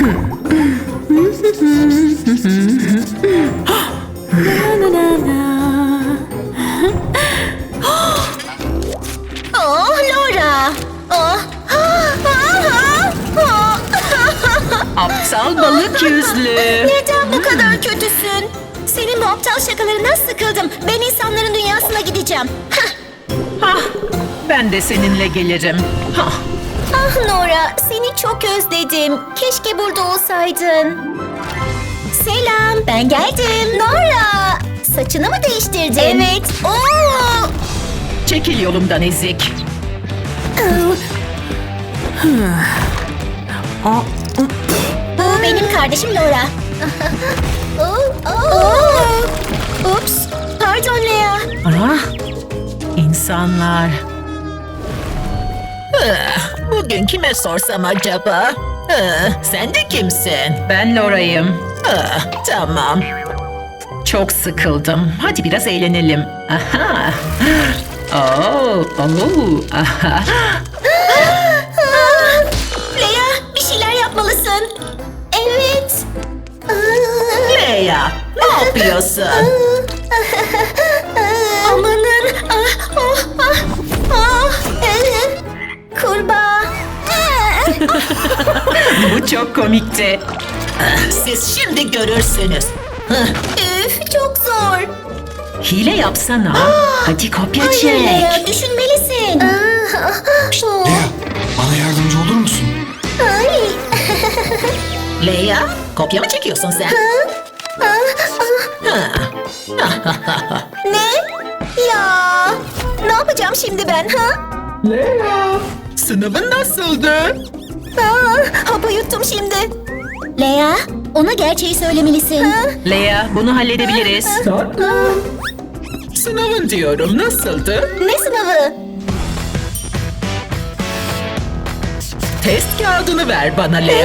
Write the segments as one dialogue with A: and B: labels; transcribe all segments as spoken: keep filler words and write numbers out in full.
A: Oh, Laura. Oh.
B: Aptal balık yüzlü.
A: Neden bu kadar kötüsün? Senin bu aptal şakalarından sıkıldım. Ben insanların dünyasına gideceğim. Hah.
B: Hah, ben de seninle gelirim. Hah.
A: Ah Nora, seni çok özledim. Keşke burada olsaydın. Selam, ben geldim. Nora, saçını mı değiştirdin? Evet. Oo.
B: Çekil yolumdan ezik.
A: Bu benim kardeşim Laura. Oo, oo. Ups, pardon Lea.
B: Ah, insanlar.
C: Bugün kime sorsam acaba? Ah, sen de kimsin?
B: Ben Laura'yım.
C: Ah, tamam.
B: Çok sıkıldım. Hadi biraz eğlenelim. Aha. Oh, oh, aha.
A: Lea, bir şeyler yapmalısın. Evet.
C: Lea, ne yapıyorsun?
A: Amanın. Ah, oh, ah, ah. Kurbağa.
B: Bu çok komikti.
C: Siz şimdi görürsünüz.
A: Üf, çok zor.
B: Hile yapsana. Hadi kopya
A: Hayır
B: çek.
A: Lea, düşünmelisin.
D: Lea, bana yardımcı olur musun?
A: Ay.
C: Lea, kopya mı çekiyorsun sen?
A: Ne? Ya. Ne yapacağım şimdi ben ha?
C: Lea, sınavın nasıldı?
A: Aa, hapı yuttum şimdi. Lea, ona gerçeği söylemelisin. Ha?
B: Lea, bunu halledebiliriz.
C: Sınavın diyorum, nasıldı?
A: Ne sınavı?
C: Test kağıdını ver bana Lea.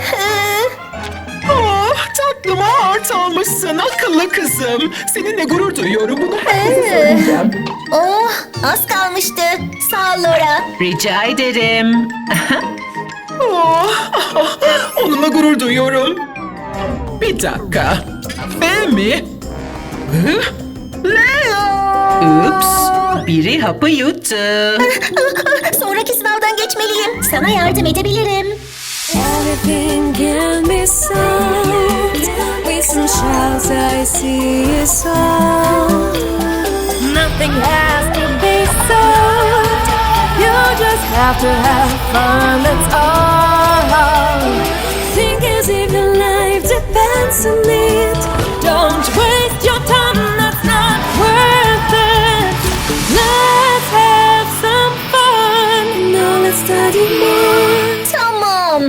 C: Oh, tatlıma art almışsın akıllı kızım. Seninle gurur duyuyorum, bunu herkese söyleyeceğim.
A: Oh, az kalmıştı. Sağ ol Laura.
B: Rica ederim.
C: Oh, onunla gurur duyuyorum. Bir dakika. B mi? Hı? Lea!
B: Ups, biri hapı yuttu.
A: Sonraki sınavdan geçmeliyim. Sana yardım edebilirim.
E: Everything can be solved with some shouts. I see it all. Nothing has to be solved. You just have to have fun. That's all. Think as if your life depends on it. Don't waste your time. That's not worth it. Let's have some fun. Now let's study more.
A: Tamam.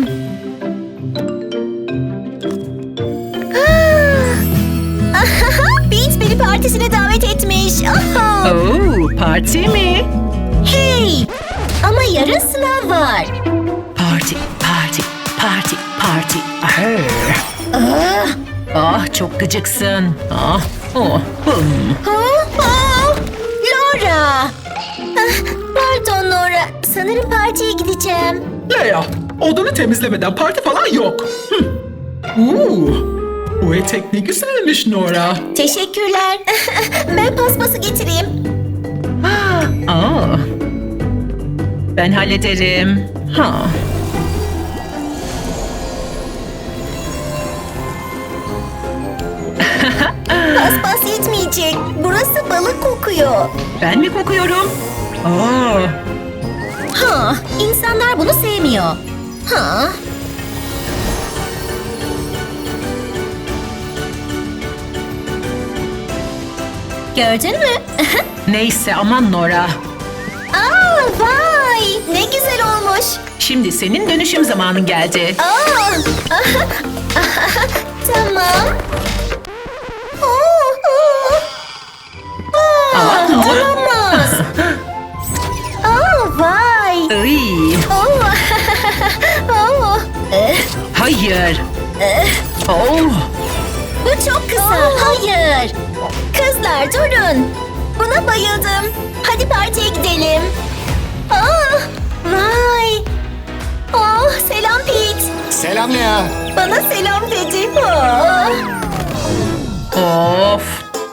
A: Beans beni partisine davet etmiş. Aha.
B: Oo, parti mi?
A: Hey! Ama yarın sınav var.
B: Parti, parti, parti, parti. Ah, ah çok gıcıksın. Ah, oh, hım.
A: Ha? Ha? Laura! Ah, pardon Laura. Sanırım partiye gideceğim.
C: Lea, odanı temizlemeden parti falan yok. Hı. Uuu, bu etek ne güzelmiş Nora.
A: Teşekkürler. Ben paspası getireyim.
B: Aa, ben hallederim. Ha.
A: Paspas yetmeyecek. Burası balık kokuyor.
B: Ben mi kokuyorum? Aa,
A: Ha, insanlar bunu sevmiyor. Ha. Gördün mü?
B: neyse aman Nora.
A: Aa, vay! Ne güzel olmuş.
B: Şimdi senin dönüşüm zamanın geldi.
A: Aa, tamam. Oo, oo. Aa, olamaz. Aa, vay.
B: Iy,
A: Oo. Oo. Eh,
B: hayır. Oh,
A: Bu çok kısa. Hayır. Kızlar durun. Buna bayıldım. Hadi partiye gidelim. Aa, vay. Oh, selam Pete.
D: Selam Lea.
A: bana selam dedi. Aa.
B: Of.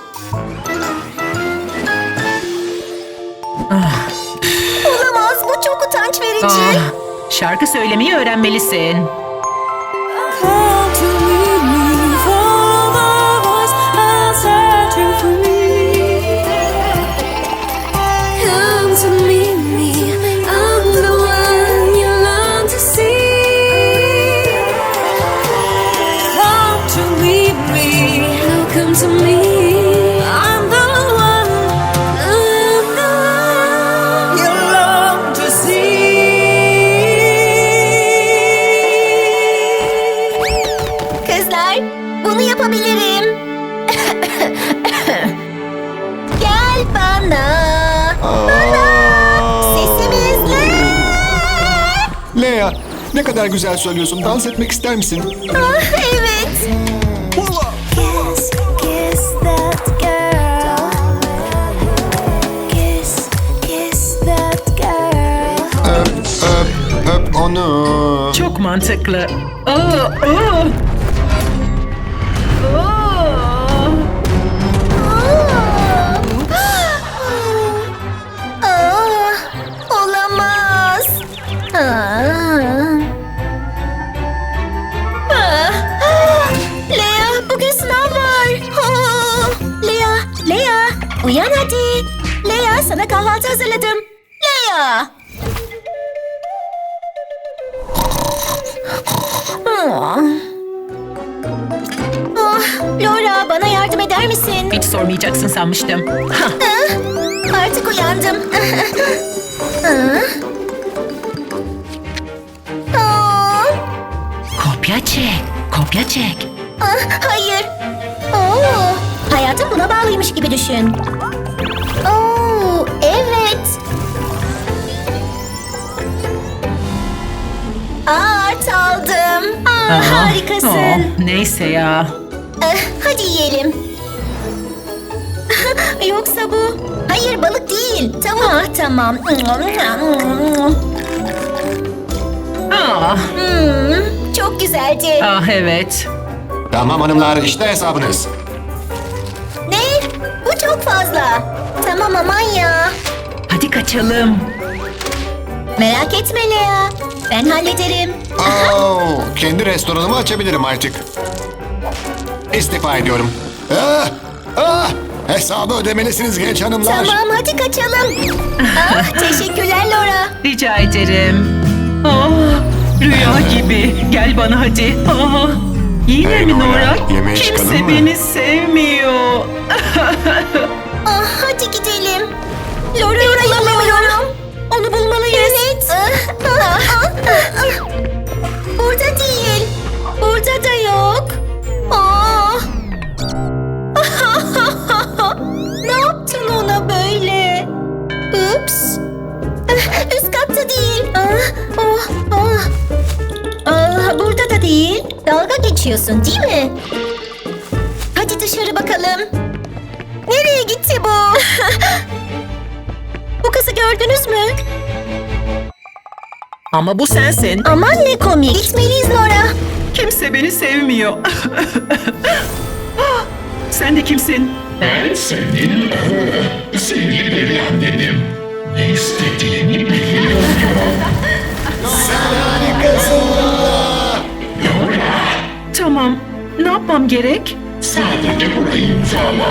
A: Olamaz, bu çok utanç verici.
B: Ah, şarkı söylemeyi öğrenmelisin.
E: Come to meet me, follow my voice, I'm searching for me. Come to meet me, I'm the one you long to see. Come to meet me, now come to me. I'm the one, I'm the one you long to see.
A: Kızlar, bunu yapabilirim. Gel bana. Bana. Sesimizle.
D: Lea, ne kadar güzel söylüyorsun. Dans etmek ister misin?
A: Ah, evet.
E: Kiss, kiss that girl. Kiss, kiss that girl.
D: Öp, öp, öp onu.
B: Çok mantıklı. Aa, aa. Aa.
A: Aa, olamaz. Aa. Ah, ah. Lea, bugün sınav var. Oh. Lea, Lea, uyan hadi. Lea, sana kahvaltı hazırladım. Lea. Ah. Ah, Laura, bana yardım eder misin?
B: Hiç sormayacaksın sanmıştım. Hah,
A: Ah, artık uyandım. Ah. Ah.
B: kopya çek, kopya çek.
A: Ah, hayır. Oo, hayatım buna bağlıymış gibi düşün. Oo, evet. Art aldım. Aa,
B: Aa,
A: harikasın.
B: oh, neyse ya.
A: Eh, hadi yiyelim. Yoksa bu... Hayır, balık değil. Tavuk. Ah, tamam.
B: Ah,
A: Hmm, çok güzeldi.
B: ah evet.
D: Tamam hanımlar, işte hesabınız.
A: Ne? Bu çok fazla. Tamam aman ya.
B: Hadi kaçalım.
A: Merak etme Lea. Ben hallederim.
D: Oo, kendi restoranımı açabilirim artık. İstifa ediyorum. Ah, ah, hesabı ödemelisiniz genç hanımlar.
A: Tamam hadi kaçalım. Ah, teşekkürler Laura.
B: Rica ederim. Ah, rüya gibi. Gel bana hadi. Ah, yine
D: Hey
B: mi
D: Nora,
B: Nora?
D: yemeğe çıkalım
B: Kimse
D: mı?
B: beni sevmiyor.
A: Ah, hadi gidelim. Laura'yı bulamıyorum. Onu bulmalıyız. Evet. Ah, ah, ah, ah. Burada değil. Burada da yok. Ah. Ne yaptın ona böyle? Ups. Ah, üst katta değil. Ah, oh, ah. Ah, burada da değil. Dalga geçiyorsun değil mi? Hadi dışarı bakalım. Nereye gitti bu? Bu kızı gördünüz mü?
B: Ama bu sensin.
A: Aman ne komik. Gitmeliyiz Laura.
B: Kimse beni sevmiyor. Sen de kimsin?
F: Ben senin o sevgili deli annenim. Ne istediğini biliyorum.
B: Tamam. Ne yapmam gerek?
F: Sadece burayı imzala.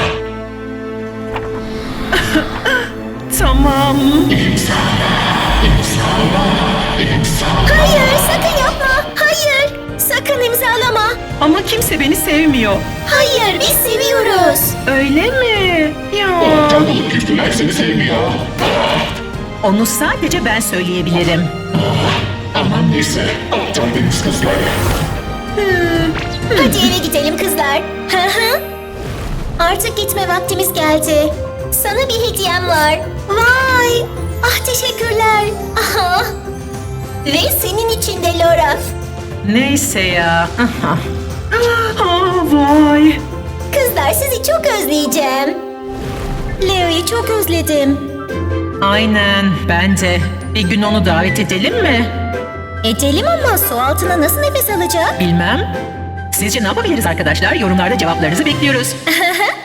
B: Tamam.
F: İmzala, imzala, imzala.
A: Hayır sakın yapma. Hayır. Sakın imzalama.
B: Ama kimse beni sevmiyor.
A: Hayır biz seviyoruz.
B: Öyle mi? Ya.
F: Aptal balık yüzlüler seni sevmiyor.
B: Onu sadece ben söyleyebilirim.
F: Aman neyse, aptal deniz kızları.
A: Hadi eve gidelim kızlar. Hı hı. Artık gitme vaktimiz geldi. Sana bir hediyem var. Vay. Ah teşekkürler. Aha. Ve senin için de Laura.
B: Neyse ya. Aha. Ah, vay.
A: Kızlar sizi çok özleyeceğim. Leo'yu çok özledim.
B: Aynen. Bence bir gün onu davet edelim mi?
A: Edelim ama su altına nasıl nefes alacak?
B: Bilmem. Sizce ne yapabiliriz arkadaşlar? Yorumlarda cevaplarınızı bekliyoruz.